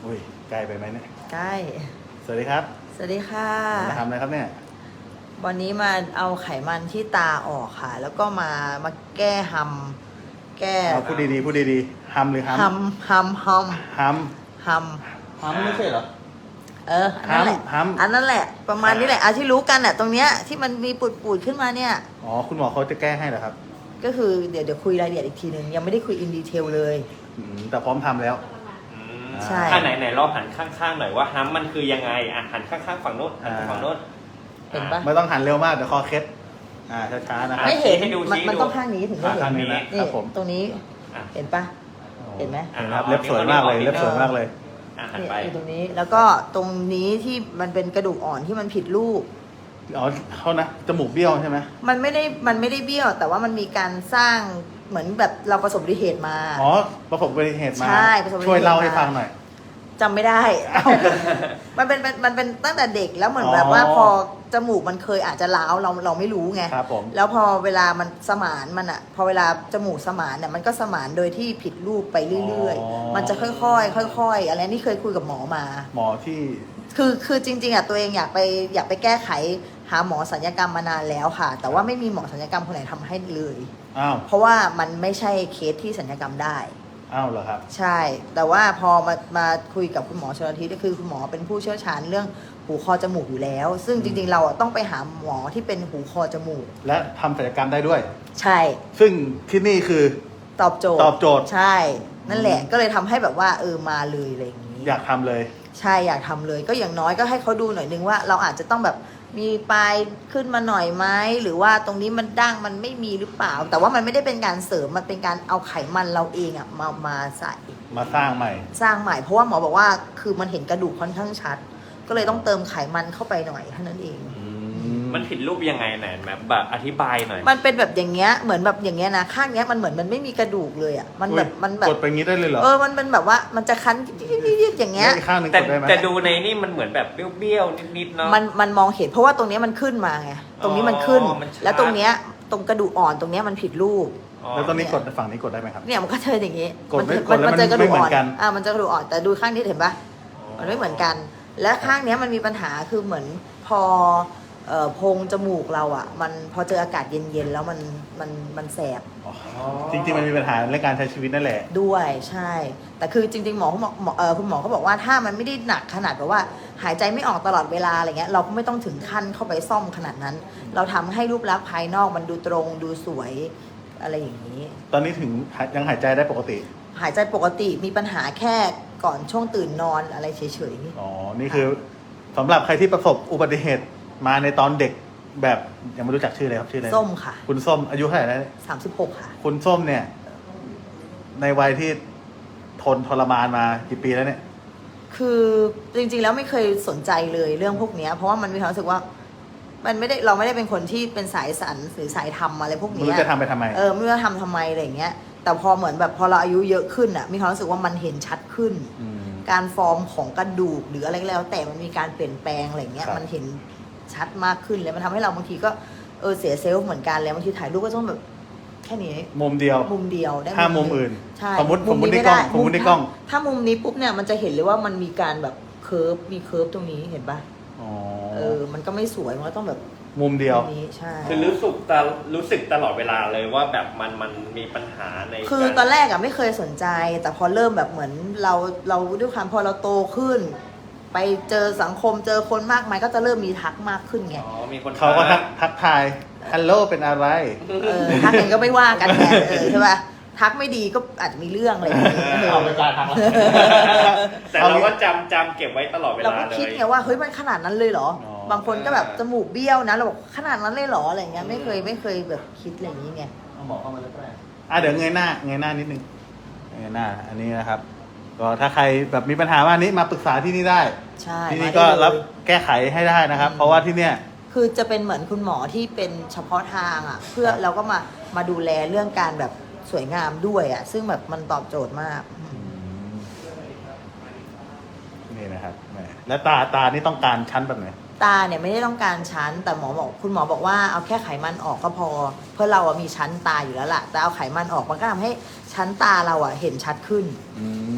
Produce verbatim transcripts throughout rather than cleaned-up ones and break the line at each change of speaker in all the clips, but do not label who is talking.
อุ้ยไกลไปไหมเนี่ย
ใกล้
สวัสดีครับ
สวัสดีค่ะ
มาทำอะไรครับเนี่ย
วันนี้มาเอาไขมันที่ตาออกค่ะ แล้วก็มามาแก้ฮัมแก้
เอาพูดดีๆพูดดีๆฮัมหรือฮัม
ฮัมฮัมฮัม
ฮัม
ฮัม
ฮัมไม่ใช่เหรอ
เอออันนั้นแหละอันนั้นแหละประมาณนี้แหละอาที่รู้กันอ่ะตรงเนี้ยที่มันมีปูดๆขึ้นมาเนี่ย
อ๋อคุณหมอเขาจะแก้ให้เหรอครับ
ก็คือเดี๋ยวเดี๋ยวคุยรายละเอียดอีกทีนึงยังไม่ได้คุยอินดีเทลเลย
แต่พร้อมทำแล้ว
ใช่
อ่าไหนไหนลองหันข้างๆหน่อยว่าฮัมมันคือยังไงอ่ะหันข้างๆฝั่งโน้นหันฝั่งโน้น
เห็นปะ
ไม่ต้องหันเร็วมากเดี๋ยวคอเคล็ดอ่าช้าๆนะครับ
ไม่เห็นมันมันต้องข้างนี้ถึงจะเห็น
ข้างนี้นะครับผม
ตรงนี้เห็นปะเห็นไหม
เห็นครับเล็บสวยมากเลยเล็บสวยมากเลย
เนี่ยอยู่ตรงนี้แล้วก็ตรงนี้ที่มันเป็นกระดูกอ่อนที่มันผิดรูป
อ๋อเขานะจมูกเบี้ยวใช่ไหม
มันไม่ได้มันไม่ได้เบี้ยวแต่ว่ามันมีการสร้างเหมือนแบบเราประสบอุบัติเหตุมา
อ๋อประสบอุบัติเหตุมา
ใช่ประสบอุบัติเหตุ
ช่วยเล่าให้ฟังหน่อย
จำไม่ได้ มันเป็นมันเป็นตั้งแต่เด็กแล้วเหมือนแบบว่าพอจมูกมันเคยอาจจะล้าวเราเราไม่รู้ไง
ครับผม
แล้วพอเวลามันสมานมันอะพอเวลาจมูกสมานเนี่ยมันก็สมานโดยที่ผิดรูปไปเรื่อยๆมันจะค่อยๆค่อยๆอะไรนี่เคยคุยกับหมอมา
หมอที่
คือคือจริงๆอะตัวเองอยากไปอยากไปแก้ไขหาหมอศัลยกรรมมานานแล้วค่ะแต่ว่าไม่มีหมอศัลยกรรมคนไหนทำให้เลย
อ้าว
เพราะว่ามันไม่ใช่เคสที่ศัลยกรรมได้
อ้าวเหรอครับ
ใช่แต่ว่าพอมามาคุยกับคุณหมอชลทิศก็คือคุณหมอเป็นผู้เชี่ยวชาญเรื่องหูคอจมูกอยู่แล้วซึ่งจริงๆเราต้องไปหาหมอที่เป็นหูคอจมูก
และทำศัลยกรรมได้ด้วย
ใช่
ซึ่งที่นี่คือ
ตอบโจทย์
ตอบโจทย์
ใช่นั่นแหละก็เลยทำให้แบบว่าเออมาเลยอะไรอย่างนี้
อยากทำเลย
ใช่อยากทำเลยก็อย่างน้อยก็ให้เขาดูหน่อยนึงว่าเราอาจจะต้องแบบมีปลายขึ้นมาหน่อยไหมหรือว่าตรงนี้มันดั้งมันไม่มีหรือเปล่าแต่ว่ามันไม่ได้เป็นการเสริมมันเป็นการเอาไขมันเราเองอะมามาใส่
มาสร้างใหม่
สร้างใหม่เพราะว่าหมอบอกว่าคือมันเห็นกระดูกค่อนข้างชัดก็เลยต้องเติมไขมันเข้าไปหน่อยเท่านั้นเอง
มันผิดรูปยังไงไหนแบบแบบอธิบายหน่อย
มันเป็นแบบอย่างเงี้ยเหมือนแบบอย่างเงี้ยนะข้างเนี้ยมันเหมือนมันไม่มีกระดูกเลยอ่ะมันแบบมันแบบ
กดไปงี้ได้เลยเหรอ
เออมันเป็นแบบว่ามันจะคันยิบๆอย่างเงี้ย
ข้างนึง
แต่
กดได้ไหม
แต่ดูในนี่มันเหมือนแบบเบี้ยวๆนิดๆเนาะ
มันมันมองเห็นเพราะว่าตรงเนี้ยมันขึ้นมาไงตรงนี้มันขึ้นแล้วตรงเนี้ยตรงกระดูกอ่อนตรงเนี้ยมันผิดรูป
แล้วตรงนี้กดฝั่งนี้กดได้ไหมครับ
เนี่ยมันก็เจออย่างงี้
กดไม่กดแล้วมันไม่เหมือนกัน
อ่ามันจะกระดูกอ่อนแต่ดูข้างนี้เห็นปะมันไม่เหมือนกันและข้างเนี้ยมันมีปัญหาคือเหมือนพอเอ่อโพรงจมูกเราอ่ะมันพอเจออากาศเย็นๆแล้วมันมันมันแสบ
จริงๆมันมีปัญหาเรื่องการใช้ชีวิตนั่นแหละ
ด้วยใช่แต่คือจริงๆหมอเขาบอกเออคุณหมอเขาบอกว่าถ้ามันไม่ได้หนักขนาดแบบว่าหายใจไม่ออกตลอดเวลาอะไรเงี้ยเราก็ไม่ต้องถึงขั้นเข้าไปซ่อมขนาดนั้นเราทำให้รูปลักษณ์ภายนอกมันดูตรงดูสวยอะไรอย่างนี้
ตอนนี้ถึงยังหายใจได้ปกติ
หายใจปกติมีปัญหาแค่ก่อนช่วงตื่นนอนอะไรเฉย
ๆอ๋อนี่คือสำหรับใครที่ประสบอุบัติเหตุมาในตอนเด็กแบบยังไม่รู้จักชื่ออะไรครับชื่ออะไร
ส้มค่ะ
คุณส้มอายุเท่าไหร่แล้ว
สามสิบหกค่ะ
คุณส้มเนี่ยในวัยที่ทนทรมานมากี่ปีแล้วเนี่ย
คือจริงๆแล้วไม่เคยสนใจเลยเรื่องพวกนี้เพราะว่ามันมีความรู้สึกว่ามันไม่ได้เราไม่ได้เป็นคนที่เป็นสายสรรหรือสายทำอะไรพวกนี้
ไม่รู้จะทำไปทำไม
เออไม่รู้จะทำทำไมอะไรอย่างเงี้ยแต่พอเหมือนแบบพอเราอายุเยอะขึ้นอ่ะมีความรู้สึกว่ามันเห็นชัดขึ้นการฟอร์มของกระดูกหรืออะไรก็แล้วแต่มันมีการเปลี่ยนแปลงอะไรเงี้ยมันเห็นชัดมากขึ้นเลยมันทำให้เราบางทีก็เออเสียเซลล์เหมือนกันแล้วบางทีถ่ายรูปก็ต้องแบบแค่นี้
มุมเดียว
มุมเดียวได้
ถ้ามุมอื่น
ใช่
สมมติสมมติในกล้องสมมติในกล้อง
ถ้ามุมนี้ปุ๊บเนี่ยมันจะเห็นเลยว่ามันมีการแบบเคิร์ฟมีเคิร์ฟตรงนี้เห็นปะเออมันก็ไม่สวยมันก็ต้องแบบ
มุมเดียว
ใช่
คือรู้สึกตรู้สึกตลอดเวลาเลยว่าแบบมันมันมีปัญหาใน
คือตอนแรกอะไม่เคยสนใจแต่พอเริ่มแบบเหมือนเราเราด้วยความพอเราโตขึ้นไปเจอสังคมเจอคนมากมายก็จะเริ่มมีทักมากขึ้นไง
อ๋อมีคน
เขาก็ทักทักทายฮัลโหลเป็นอะไร
เออทักเองก็ไม่ว่ากันแทนเออใช่ป่ะทักไม่ดีก็อาจจะมีเรื่องอะไรอย่างเงี้ย
เอาไปการทัก
แต่เราก็จำจำเก็บไว้ตลอดเวลาเลย
เราก็คิดไงว่าเฮ้ยมันขนาดนั้นเลยเหรอบางคนก็แบบจมูกเบี้ยวนะเราบอกขนาดนั้นเลยเหรออะไรเงี้ยไม่เคยไม่เคยแบบคิดอะไรอย่างนี้ไง
เอาหมอเข้ามาแล้วก็ได้อ่ะเดี๋ยวเงยหน้าเงยหน้านิดนึงเงยหน้าอันนี้นะครับก็ถ้าใครแบบมีปัญหาว่านี้มาปรึกษาที่นี่ได้
ใช่
ที่นี่ก็รับแก้ไขให้ได้นะครับเพราะว่าที่เนี้ย
คือจะเป็นเหมือนคุณหมอที่เป็นเฉพาะทางอ่ะเพื่อเราก็มามาดูแลเรื่องการแบบสวยงามด้วยอ่ะซึ่งแบบมันตอบโจทย์มาก
นี่นะครับแล้วตาตานี่ต้องการชั้นแบบไหน
ตาเนี่ยไม่ได้ต้องการชั้นแต่หมอบอกคุณหมอบอกว่าเอาแค่ไขมันออกก็พอเพื่อเราอะมีชั้นตาอยู่แล้วล่ะแต่เอาไขมันออกมันก็ทำให้ชั้นตาเราอะเห็นชัดขึ้น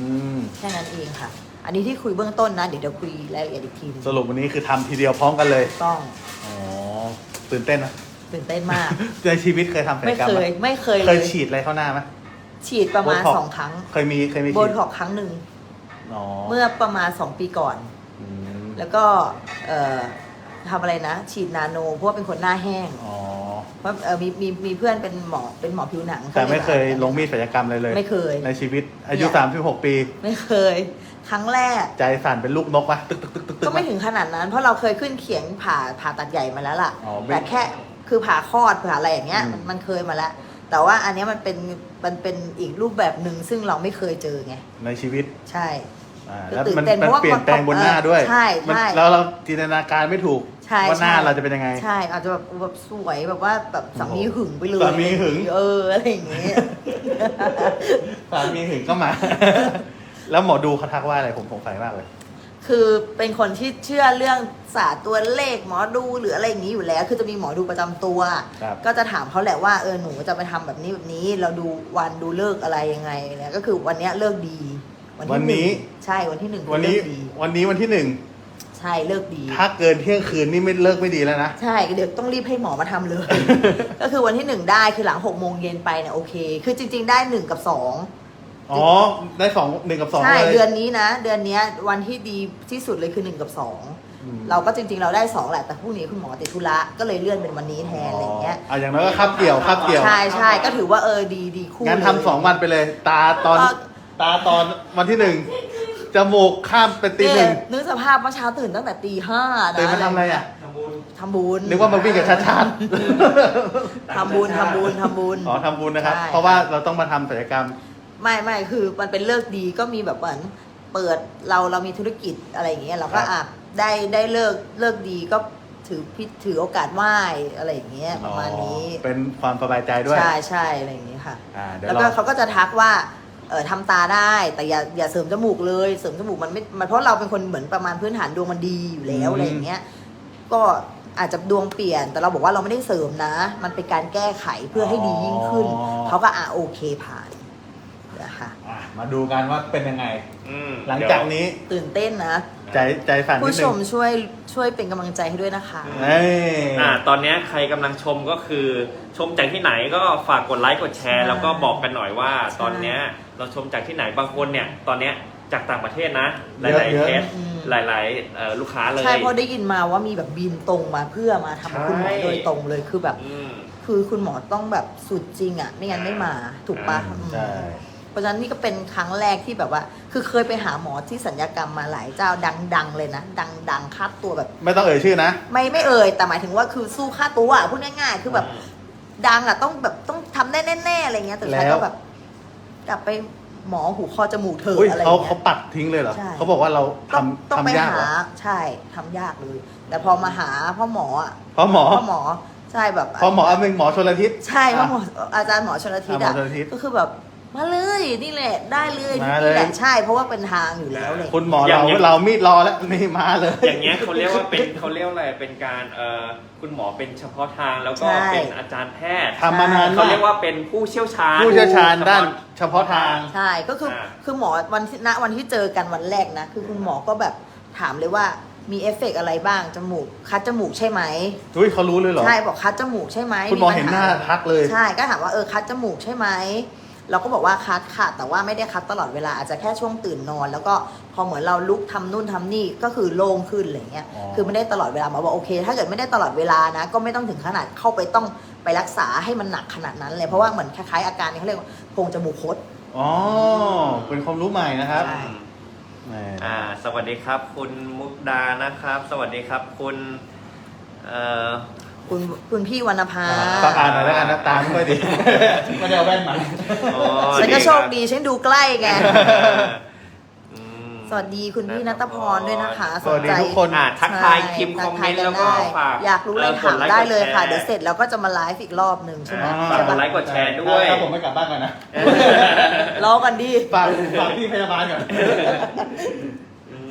แค่นั้นเองค่ะ อันนี้ที่คุยเบื้องต้นนะเดี๋ยวเดี๋ยวคุยรายละเอียดอีกทีหนึง
สรุปวันนี้คือทำทีเดียวพร้อมกันเลย
ต้อง
อ๋อตื่นเต้นนะ
ตื่นเต้นมาก
ในชีวิตเคยทำศัล
ไม่
ยกรรม
เค
ไหม
ยไม่เคย
เค
เลย ย
ฉีดอะไรเข้าหน้าไหม
ฉีดประมาณ
โบท็อกซ์
สองครั้ง
เคยมีเคยมี
โบ
ฉีด
ท็อกซ์ครั้งหนึ่ง
อ๋อ
เมื่อประมาณสองปีก่อน
อืม
แล้วก็เอ่อทำอะไรนะ ฉีดนาโนเพราะว่าเป็นคนหน้าแห้ง
อ๋อ
เพราะเออมีมีมีเพื่อนเป็นหมอเป็นหมอผิวหนัง
แต่ไม่เคย
ขา
ลงมีดศัลยกรรมเลยเลย
ไม่เคย
ในชีวิตอายุ
เนี่ย
สามสิบหกปี
ไม่เคย ครั้งแรก
ใจสั่นเป็นลูกนกปะตึกตึกตึกตึกตึก
ก็ไม่ถึงขนาดนั้น เพราะเราเคยขึ้นเขียงผ่าผ่าตัดใหญ่มาแล้วล่ะ
อ๋อไม่
แต่แค่คือผ่าคลอดผ่าอะไรอย่างเงี้ย
อืม
มันมันเคยมาแล้ว แต่ว่าอันเนี้ยมันเป็นมันเป็นอีกรูปแบบหนึ่งซึ่งเราไม่เคยเจอไง
ในชีวิต
ใช่
อ่า
คือ
แล้ว
ตื่น
มัน
เต้น
มัน
เพราะว่า
เปลี่ยนแปลงบนหน้าด้วย
ใช่
มัน
ใช่
แล้วเราจินตนาการไม่ถูก
ใช่
ว่าหน้า
ใช่
เราจะเป็นยังไง
ใช่อาจจะแบบแบบสวยแบบว่าแบบสามีหึงไปเลย
สามีหึง
เอออะไรอย่างเงี้ย
สามีถึงก็มา แล้วหมอดูเขาทักว่าอะไรผมสงสัยมากเลย
คือเป็นคนที่เชื่อเรื่องศาสตร์ตัวเลขหมอดูหรืออะไรอย่างนี้อยู่แล้ว คือจะมีหมอดูประจำตัว
ครับ
ก็จะถามเขาแหละว่าเออหนูจะไปทำแบบนี้แบบนี้ เราดูวันดูเลิกษ์อะไรยังไงเนี่ยก็คือวันเนี้ยเลิกดี
วันนี้
หงใช่วันที่หนึ่ง
วันนี้
เลิกดี
วันนี้วันที่หนึ่ง
ใช่เลิกดี
ถ้าเกินเที่ยงคืนนี่ไม่เลิกไม่ดีแล้วนะ
ใช่เดี๋ยวต้องรีบให้หมอมาทำเลย ก็คือวันที่หนึ่งได้คือหลังหกโมงเย็นไปเนี่ยโอเค คือจริง ๆ ได้หนึ่งกับสอง
อ๋อ ได้สองหนึ่งกับสอง
ใช่
เลย
เดือนนี้นะ เดือนเนี้ยวันที่ดีที่สุดเลยคือหนึ่งกับสอง
อืม
เราก็จริงๆเราได้สองแหละแต่พรุ่งนี้คุณหมอติดธุระก็เลยเลื่อนเป็นวันนี้แทนอะไรอย่างเงี้ย
อ่ะอย่างน้อยก็คับเกี่ยวคับเกี่ยว
ใช่ใช่ก็ถือว่าเออดีดีคู่
งั้น
เลย
ทำสองวันไปเลย ตาตอน
ก็
ตาตอนวันที่หนึ่งจมูกข้ามเป็นตีหนึ่ง
เยนึกสภาพเมื่อเช้าตื่นตั้งแต่ตีห้านะ
ตื่นมาทำอะไรอ่ะ
ทำบุญ
ทำบุญ
นึกว่ามาวิ่งกับชาชาติ
ทำบุญทำบุญทำบุญ
อ๋อทำบุญนะครับ
ใช่
เพราะว่าเราต้องมาทำศัลยกรรม
ไม่ไม่คือมันเป็นเลิกดีก็มีแบบเหมือนเปิดเราเรามีธุรกิจอะไรอย่างเงี้ยเราก็
ครับ
อ่ะได้ได้เลิกเลิกดีก็ถือพิถือโอกาสไหว้อะไรอย่างเงี้ยประมาณนี้
อ๋อเป็นความสบายใจด้วย
ใช่ใช่อะไรอย่างเงี้ยค่ะ
อ่าเดี๋ยว
แล้ว
เรา
ก็เขาก็จะทักว่าเออทำตาได้แต่อย่าอย่าเสริมจมูกเลยเสริมจมูกมันไม่มันเพราะเราเป็นคนเหมือนประมาณพื้นฐานดวงมันดีอยู่แล้วอะไรอย่างเงี้ยก็อาจจะดวงเปลี่ยนแต่เราบอกว่าเราไม่ได้เสริมนะ มันเป็นการแก้ไขเพื่อให้ดียิ่งขึ้น
อ๋อ
เขาก็อ่ะโอเคผ่านนะคะ
อ่ะมาดูกันว่าเป็นยังไง
อืม
หลังจากนี้
ตื่นเต้นนะ
ใจใจสั่นนิ
ผู้
ด
ช
นึ
ม
ง
ช่วยช่วยเป็นกำลังใจให้ด้วยนะคะ
เอ้ย
อ่าตอนเนี้ยใครกำลังชมก็คือชมจากที่ไหนก็ฝากกดไลค์กดแชร์
ใช่
แล้วก็บอกกันหน่อยว่า
ใช่
ตอนเนี้ยเราชมจากที่ไหนบางคนเนี่ยตอนเนี้ยจากต่างประเทศนะ ห
เยอะ
ลาย
เย
ๆ
อะ
เคส
อืม
หลายๆเอ่อลูกค้าเลย
ใช่เพราะได้ยินมาว่ามีแบบบินตรงมาเพื่อมาทำคุณหมอโดยตรงเลยคือแบบ
อืม
คือคุณหมอต้องแบบสุดจริงอ่ะ ไม่งั้นไม่มาถูกปะ
อ่า
อืม
ใช่
เพราะฉะนั้นนี่ก็เป็นครั้งแรกที่แบบว่า คือเคยไปหาหมอที่สัญญกรรมมาหลายเจ้าดังๆเลยนะ ดังๆค่าตัวแบบ
ไม่ต้องเอ่ยชื่อนะ
ไม่ไม่เอ่ยแต่หมายถึงว่าคือสู้ค่าตัวอะพูดง่ายๆ คือแบบดังอ่ะต้องแบบต้องทำได้แน่ๆอะไรเงี้ยแต่สุดท้าย
แล้ว
ก็แบบ กลับไปหมอหูคอจมูกเธอ
อุ้ย
อะไร
เขา
เงี้
เขา
ย
ปัดทิ้งเลยเหรอ
ใช่
เขาบอกว่าเรา
ต้อง
ทำ
ต้องไป
ทำยาก
หา
เหรอ
ใช่ทำยากเลย แต่พอมาหาพ่อหมออะ
เพราะหมอ
พ่อหมอใช่แบบ
เพราะหมออันหนึ่งหมอชลทิศ
ใช่พ่อหมออาจารย์หมอชลทิศ
อ่า
อ่ะ
หมอชลทิศ
ก็คือแบบมาเลยนี่แหละได้เลย
มาเลย
นี่แหละใช่เพราะว่าเป็นทางอยู่แล้วเลย
คุณหมอ
อย่า
เรา
งเงี้ย
เรามีดรอแล้วนี่มาเลย
อย่างเงี้ยเขาเรียกว่าเป็นเขาเรียกว่าอะไรเป็นการเอ่อคุณหมอเป็นเฉพาะทางแล้วก็
ใช่
เป็นอาจารย์แพทย์
ทำมานาน
เขา
มาก
เรียกว่าเป็นผู้เชี่ยวชาญ
ผู้เชี่ยวชาญด้านเฉพาะทาง
ใช่ก็คืออา คือหมอวันที่ณวันที่เจอกันวันแรกนะ คือคุณหมอก็แบบถามเลยว่ามีเอฟเฟกต์อะไรบ้างจมูกคัดจมูกใช่ไหม
อุ้ยเขารู้เลยเหรอ
ใช่บอกคัดจมูกใช่ไหม
คุณหมอ
ปัญ
เห็นหน้าทักเลย
ใช่ก็ถามว่าเออคัดจมูกใช่ไหมเราก็บอกว่าคัดค่ะแต่ว่าไม่ได้คัดตลอดเวลาอาจจะแค่ช่วงตื่นนอน แล้วก็พอเหมือนเราลุกทำนู่นทำนี่ก็คือโล่งขึ้นอะไรเงี้ย
อ๋อ
คือไม่ได้ตลอดเวลาหมอบอกโอเค ถ้าเกิดไม่ได้ตลอดเวลานะ ก็ไม่ต้องถึงขนาดเข้าไปต้องไปรักษาให้มันหนักขนาดนั้นเลยเพราะว่าเหมือนคล้ายๆอาการนี้เขาเรียกว่าโพรงจมูกคด
อ๋อ เป็นความรู้ใหม่นะครับ
ใช่
แหม
อ่าสวัสดีครับ คุณมุกดานะครับ สวัสดีครับคุณเอ่อ
คุณคุณพี่วรรณภา
ต้องอ่านหน่อยแล้วกันนะตาไม่ค่อยดี ไม่ได้เอาแว่นมา
โอ้
ฉันก็โชคดีฉันดูใกล้ไง
อืม
สวัสดีคุณพี่นัทพรด้วยนะคะ
สวัสดีทุกคน
อ่าทักทาย
ใช่
พิมพ์คอมเมนต์
ทั
แล้ว
ทาย
ก็
ได้
ฝาก
อยากรู้อะไร
เอ่อก
ถาม
ดไลค์
ได้เลยค่ะ
กดแชร์
เดี๋ยวเสร็จแล้วก็จะมาไลฟ์อีกรอบหนึ่งใช่ไหม
อ่า
ใช่
ก
ปะ
ดไลค์กดแชร์ด้วย
ถ้าผมไม่กลับบ้านก่อนนะ
รอกันดี
ฝากฝากพี่พยาบาลก่อน
อืม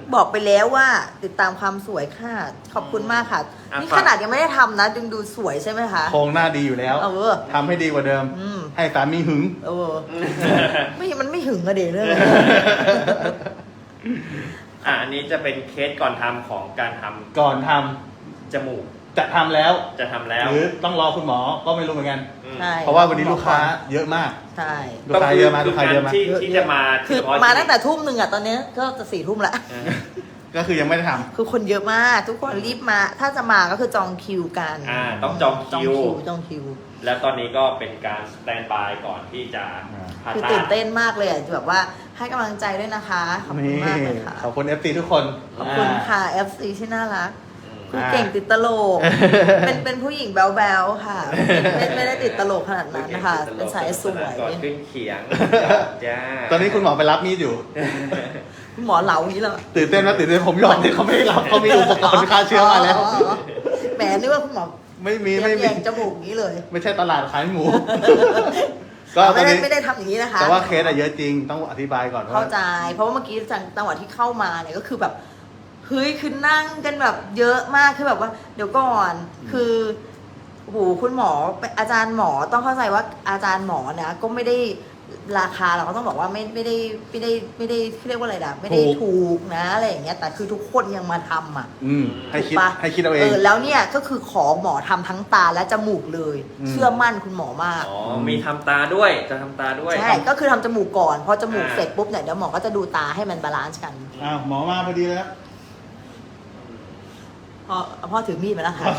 บอกไปแล้วว่าติดตามความสวยค่ะ ขอบคุณมากค่ะ
อ่ะ
นี่
ฝาก
ขนาดยังไม่ได้ทำนะจึงดูสวยใช่ไหมคะ
โครงหน้าดีอยู่แล้ว
เออ
ทำให้ดีกว่าเดิม
อืม
ให้สามีหึง
เออไม่มันไม่หึงอะเด็กเลย
อ่ะอันนี้จะเป็นเคสก่อนทำของการทำ
ก่อนทำ
จมูก
จะทำแล้ว
จะทำแล้ว
หรือต้องรอคุณหมอก็ไม่รู้เหมือนกัน
อืม
ใช่
เพราะว่าวันนี้ลูกค้าเยอะมาก
ใช่
ลูกค้าเยอะมาก
คื
ลูกค้าเยอะมาก
ที่ที่จะมา
คือ
เฉพะ
มาตั้งแต่ทุ่มหนึ่งอะตอนนี้ก็จะสี่ทุ่มละ
เออ
ก็คือยังไม่ได้ท
คือคนเยอะมาก ทุกคนรีบมา ถ้าจะมาก็คือจองคิวกัน
อ่าต้องจอง
จอง
คิว
คิวจองคิว
แล้วตอนนี้ก็เป็นการสแตนบายก่อนที่จะผ่า
คือ
ตั
ตื่
ด
นเต้นมากเลยอะแบบว่าให้กำลังใจด้วยนะคะ ขอบ
ำ
คุณ
นี่
มากเลยค่ะ
ขอบคุณ เอฟ ซี ทุกคน
ขอบคุณ
า
ค่ะ เอฟ ซี ที่น่ารัก
อืม
คือเก่งติดตลก เป็นเป็นผู้หญิงแบ๊วๆค่ะ ไม่ไม่ได้ติดตลกขนาดนั้นนะคะ เป็นสายสวย
ก่อนขึ้นเขียงจ้า
ตอนนี้คุณหมอไปรับมีดอยู่
คุณหมอเหลาอย่างนี้แล้ว
ตื่นเต้นนะตื่นเต้นผมหยอกที่เขาไม่ได้รับเขามีอุปกรณ์ฆ่าเชื้อมาแล้ว
แหมนึกว่าคุณหมอ
ไม่มีไม่มี
แยงจมูกอย่างนี้เลย
ไม่ใช่ตลาดขายหมู ก็
อ๋อ
ตอ
ไม่
น
ได้
นี้
ไม่ได้ทำอย่างนี้นะคะ
แต่ว่าเคสอะเยอะจริงต้องอธิบายก่อนว่า
เข้าใจ เพราะว่าเมื่อกี้จังหวะที่เข้ามาเนี่ยก็คือแบบเฮ้ยคือนั่งกันแบบเยอะมากคือแบบว่า เดี๋ยวก่อน คือโหคุณหมออาจารย์หมอต้องเข้าใจว่าอาจารย์หมอนะก็ไม่ได้ราคาเราก็ต้องบอกว่าไม่ไม่ได้ไม่ได้ไม่ได้เรียกว่าอะไรนะไม่ได้ถูกนะอะไรอย่างเงี้ยแต่คือทุกคนยังมาทำอ่ะ
อืมให้คิด
ถูกปะ
ให้คิดเอาเอ
เอง อแล้วเนี่ยก็คือขอหมอทำทั้งตาและจมูกเลย
อืม
เชื่อมั่นคุณหมอมาก
อ๋อมีทำตาด้วยจะทำตาด้วย
ใช่ก็คือทำจมูกก่อนพอจมูก
อ่า
เสร็จปุ๊บเนี่ยเดี๋ยวหมอก็จะดูตาให้มันบาลานซ์กัน
อ้าวหมอมาพอดีเลยครับ
พ่อพ่อถือมีดมาแล้วค่ะ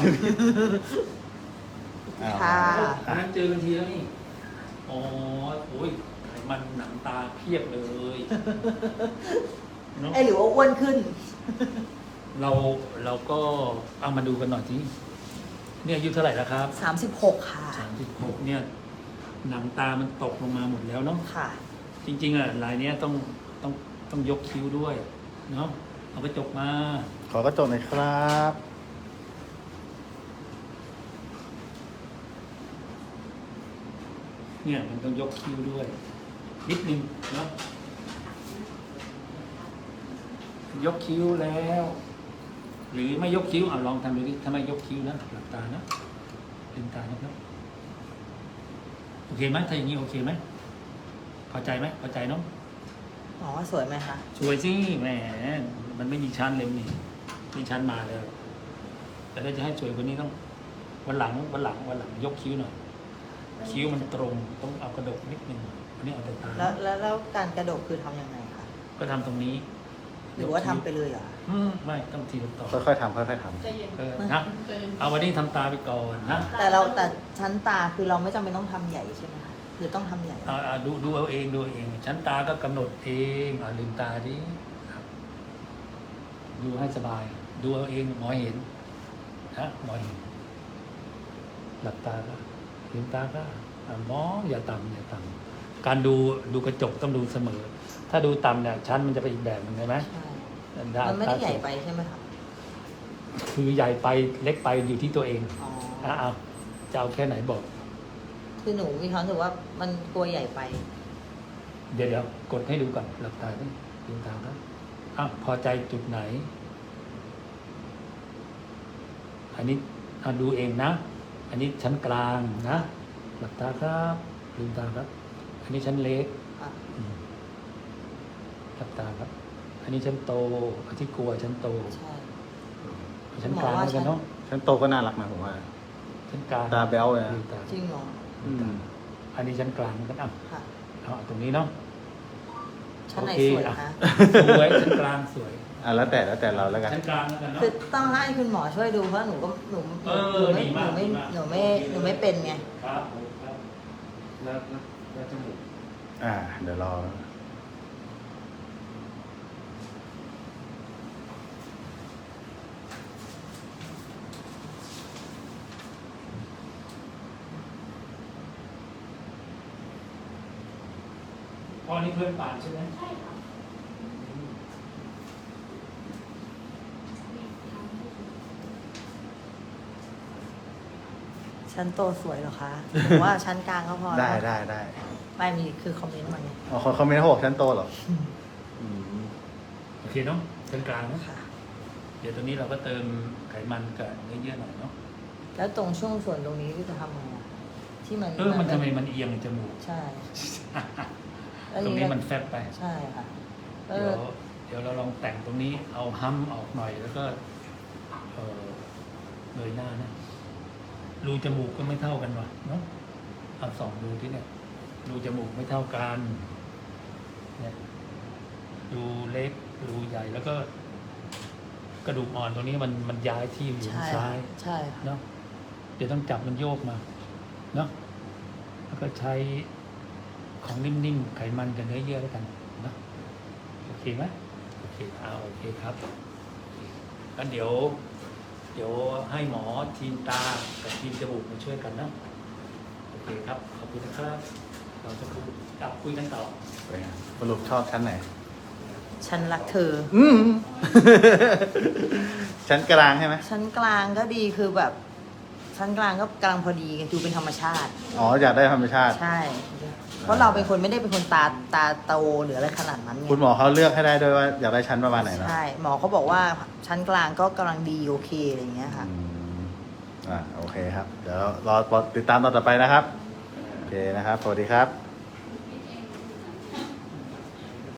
อ้าว
ค่ะ
วันนั้นเจอกันทีแล้วนี่ อ๋อ โอ้ยไขมันหนังตาเพียบเลยเนอะ
ไอยหรือว่าอ้วนขึ้น
เราเราก็เอามาดูกันหน่อยทีเนี่ยอายุเท่าไหร่แล้วครับ
สามสิบหกค่ะ
สามสิบหกเนี่ย หนังตามันตกลงมาหมดแล้วเนาะ
ค่ะ
จริง ๆอ่ะลายเนี้ยต้องต้องต้องยกคิ้วด้วย เนาะเอากระจกมา
ขอกระจกหน่อยครับ
เนี่ยมันต้องยกคิ้วด้วย นิดนึงเนาะยกคิ้วแล้ว หรือไม่ยกคิ้วเอาลองทำดูดิถ้าไม่ยกคิ้วนะหลับตานะลืมตานะครับโอเคไหมถ้าอย่างนี้โอเคไหมพอใจไหมพอใจเนาะ
อ๋อสวยไหมคะ
สวยสิแหมมันไม่มีชั้นเลยนี่มีชั้นมาเลยแต่ถ้าจะให้สวยกว่านี้ต้องวันหลังวันหลังวันหลังยกคิ้วหน่อยคิ้วมันตรงต้องเอากระดกนิดนึงอันนี้เอาแต่ตา
แล้วแล้วแล้วการกระดกคือทำยังไงคะ
ก็ทำตรงนี้
หรือว่าทำไปเลยเหรอ
อืมไม่ต้องทีละต่อ
ค่อยๆทำค่อยๆท
เออนะเอาวันนี้ทำตาไปก่อนนะ
แต่เราแต่ชั้นตาคือเราไม่จำเป็นต้องทำใหญ่ใช่ไหมคะหรือต้องทำใหญ่
เอาเอาดูดูเอาเองดูเอาเอง ชั้นตาก็กำหนดเองอ่าลืมตาดิครับดูให้สบาย ดูเอาเองหมอเห็นนะหมอเห็นหลับตาก็ลืมตาก็อ่ามองอย่าต่ำอย่าต่ำการดูดูกระจกต้องดูเสมอ ถ้าดูต่ำเนี่ยชั้นมันจะไปอีกแบบหนึงใช่ไหม
ใช่
ด้
มันไม่ได้ใหญ่ไปใช่ไหมคะ
คือใหญ่ไปเล็กไปอยู่ที่ตัวเอง
อ๋อ
อ่ะเอาจะเอาแค่ไหนบอก
คือหนูมีความรู้สึกว่ามันกลัวใหญ่ไป
เดี๋ยวเดี๋ยวกดให้ดูก่อนหลับตาดิลืมตาครับอ้าวพอใจจุดไหน อันนี้เอาดูเองนะ อันนี้ชั้นกลางนะหลับตาครับลืมตาครับ อันนี้ชั้นเล็ก
ค่ะ
อืมหลับตาครับ อันนี้ชั้นโตอันที่กลัวชั้นโต
ใช่
ชั้นกลางแล้วกันเนาะ
ำฉันโตก็น่ารักนะผมว่า
ชั้นกลาง
ตาแบ๊วเลยนะ
ลืมตา
จริงเหรอ
อืม
อันนี้ชั้นกลางกันอ่ะ
ค่ะ
เอาเอาตรงนี้เนาะ
ชั้นไหน
โอเค
สวย
อ่ะ
คะ
สวยชั้นกลางสวย
อ่ะแล้วแต่แล้วแต่เราแล้วกัน
ชั้นกลางแล้วกันเนาะ
คือต้องให้คุณหมอช่วยดูเพราะหนูก็หนู
เอ
หนู
อ
ไม่
ดี
ห
มา
นู
ก
ไม่
ดีมาก
หนูไม่หนูไม่เป็นไง
ครับผมครับแล้วแล้วแล้วจมูก
อ่า เดี๋ยวรอ
พอนี่เพื่อนป่านใช่ไหม
ใช่ค่ะ
ชั้นโตสวยเหรอคะหรือว่าชั้นกลางก็พอ
ได้
แล้ว
ได้ได้
ไม่มีคือคอมเมนต์มาไง
อ๋อเขาเขาไม่ได้บอกฉันโตเหรออืมโอ
เคเนาะเป็นกลางๆเนอะ
ค่ะ
เดี๋ยวตรงนี้เราก็เติมไขมันกับเนื้อเยื่อหน่อยเนาะ
แล้วตรงช่วงส่วนตรงนี้ที่จะทำไงอะที่มัน
เออมันทำไมมันเอียงจมูก
ใช่แล้ว
ตรงนี้มันแฟบไป
ใช่ค่ะเอ
เดี๋ย
อ
วเดี๋ยวเราลองแต่งตรงนี้เอาห้ำออกหน่อยแล้วก็เออเงยหน้านะรูจมูกก็ไม่เท่ากันวะเนาะเอาสองรูที่เนี่ยรูจมูกไม่เท่ากันเนี่ยรูเล็กรูใหญ่แล้วก็ กระดูกอ่อนตรงนี้มันมันย้ายที่อยู่
ใช่
ซ้าย
ใช่ค่ะ
เนาะเดี๋ยวต้องจับมันโยกมาเนาะแล้วก็ใช้ของนิ่มๆไขมันกับเนื้อเยื่อแล้วกันเนาะโอเคไหมโอเคเอาโอเคครับงั้นเดี๋ยว เดี๋ยวให้หมอทีมตากับทีมจมูกมาช่วยกันนะโอเคครับขอบคุณนะครับเราจะคุยกลับคุยกันต่อ
สรุปชอบชั้นไหน
ฉันรักเธอ
อืม ชั้นกลางใช่ไหม
ชั้นกลางก็ดีคือแบบ ชั้นกลางก็กลางพอดีดูเป็นธรรมชาติ
อ๋ออยากได้ธรรมชาติ
ใช่ เพราะเราเป็นคนไม่ได้เป็นคนตาตาโตหรืออะไรขนาดนั้นไง
คุณหมอเขาเลือกให้ได้ด้วยว่าอยากได้ชั้นประมาณไหนเนอะ
ใช่ หมอเขาบอกว่าชั้นกลางก็กำลังดีโอเคอะไรอย่างเงี้ยค่ะ
อืมอ่าโอเคครับ เดี๋ยวรอติดตามตอนต่อไปนะครับ โอเคนะครับ สวัสดีครับ